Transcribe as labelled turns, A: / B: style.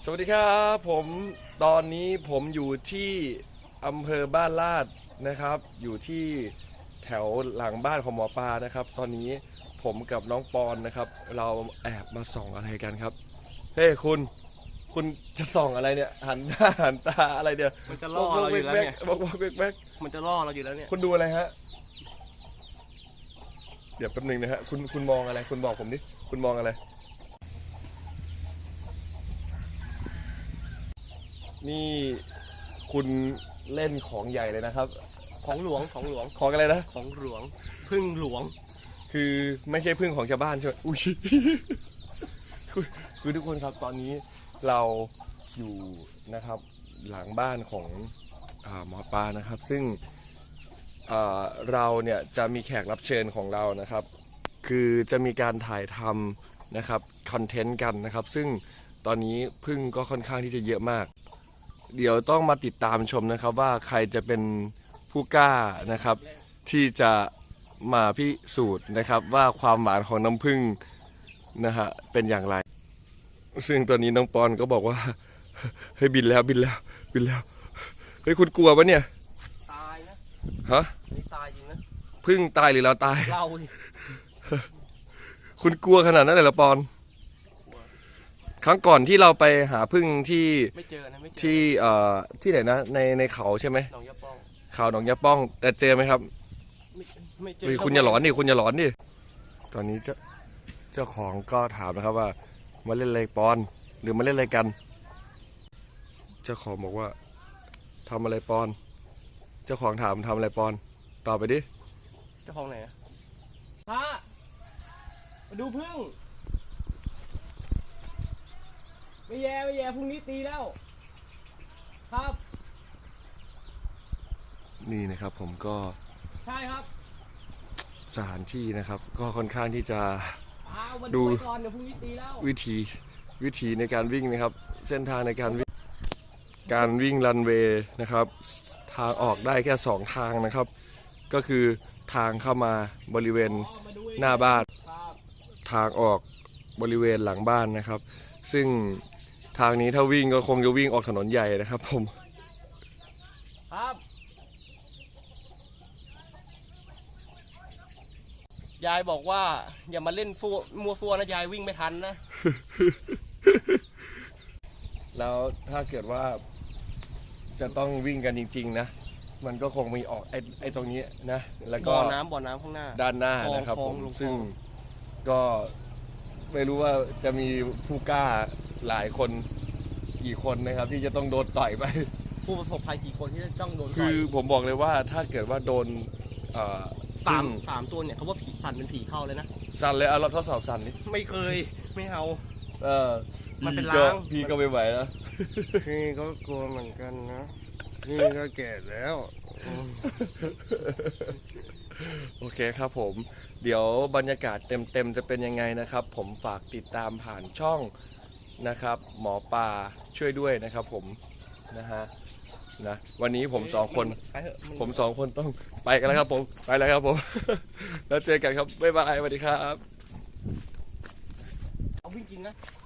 A: สวัสดีครับผมตอนนี้ผมอยู่ที่อำเภอบ้านลาดนะครับอยู่ที่แถวหลังบ้านของหมอปลานะครับตอนนี้ผมกับน้องปอนนะครับเราแอบมาส่องอะไรกันครับเฮ้คุณจะส่องอะไรเนี่ยหันหน้าหันตาอะไรเนี่ย
B: มันจะล่อเราอยู่แล้วเนี่ย
A: บอกแบก
B: มันจะล่อเราอยู่แล้วเนี่ย
A: คุณดูอะไรฮะเดี๋ยวแป๊บนึงนะฮะคุณมองอะไรคุณบอกผมดิคุณมองอะไรนี่คุณเล่นของใหญ่เลยนะครับ
B: ของหลวง
A: ของอะไรนะ
B: ของหลวงพึ่งหลวง
A: คือไม่ใช่พึ่งของชาวบ้านใช่ไหมอุ้ยคือทุกคนครับตอนนี้เราอยู่นะครับหลังบ้านของหมอปลานะครับซึ่งเราเนี่ยจะมีแขกรับเชิญของเรานะครับคือจะมีการถ่ายทำนะครับคอนเทนต์กันนะครับซึ่งตอนนี้พึ่งก็ค่อนข้างที่จะเยอะมากเดี๋ยวต้องมาติดตามชมนะครับว่าใครจะเป็นผู้กล้านะครับที่จะมาพิสูจน์นะครับว่าความหวานของน้ำผึ้งนะฮะเป็นอย่างไรซึ่งตอนนี้น้องปอนก็บอกว่าเฮ้ยบินแล้วเฮ้ยคุณกลัวปะเนี่ย
B: ตายนะ
A: ฮะ
B: ตายจริงนะ
A: ผึ้งตายหรือเราตาย
B: เรา
A: คุณกลัวขนาดนั้นเลยเหรอปอนครั้งก่อนที่เราไปหาผึ้งที่
B: ไม่เจอนะไม่เจอ
A: ที่ไหนนะในเขาใช่ไหม
B: หนองยาป้อง
A: เขาหนองยาป้องแต่เจอไหมครับ
B: ไม่เจอ
A: คุณอย่าหลอนดิตอนนี้เจ้าของก็ถามนะครับว่ามาเล่นอะไรปอนหรือมาเล่นอะไรกันเจ้าของบอกว่าทำอะไรปอนเจ้าของถามทำอะไรปอนตอบไปดิ
B: เจ้าของไหนพระมาดูพึ่งไม่แย่พรุ่งนี้ตีแล้วครับ
A: นี่นะครับผมก็
B: ใช่ครับ
A: สถานที่นะครับก็ค่อนข้างที่จะ
B: ดูก่อนเดี๋ยวพรุ่งนี้ตีแล้ว
A: วิธีในการวิ่งนะครับเส้นทางในการวิ่งรันเวย์นะครับทางออกได้แค่2ทางนะครับก็คือทางเข้ามาบริเวณหน้าบ้านทางออกบริเวณหลังบ้านนะครับซึ่งทางนี้ถ้าวิ่งก็คงจะวิ่งออกถนนใหญ่นะครับผม
B: ครับยายบอกว่าอย่ามาเล่นมัวฟัวนะยายวิ่งไม่ทันนะ
A: แล้วถ้าเกิดว่าจะต้องวิ่งกันจริงๆนะมันก็คงมีออกไอ้ตรงนี้นะแล้วก็
B: บ่อน้ำข้างหน้า
A: ด้านหน้านะครับผมซึ่งก็ไม่รู้ว่าจะมีผู้กล้าหลายคนกี่คนนะครับที่จะต้องโดนต่อยไป
B: ผู้ประสบภัยกี่คนที่จะต้องโดนต่อย
A: คือผมบอกเลยว่าถ้าเกิดว่าโดน
B: สามตัวเนี่ยเขาว่าผีสั่นเป็นผีเข้าเลยนะ
A: สั่นเลยเราทดสอบสั่นนี่
B: ไม่เคยไม่เอามันเป็น
A: ล้างพี่ก็ไม่ไหวนะ
B: พี่ก็กลัวเหมือนกันนะพี่ก็แก่แล้ว
A: โอเคครับผมเดี๋ยวบรรยากาศเต็มจะเป็นยังไงนะครับผมฝากติดตามผ่านช่องนะครับหมอปลาช่วยด้วยนะครับผมนะฮะนะวันนี้ผม2 คนต้องไปกันแล้วครับผมไปแล้วครับผมแล้วเจอกันครับบ๊ายบายสวัสดีครับ
B: เอาวิ่งจริงนะ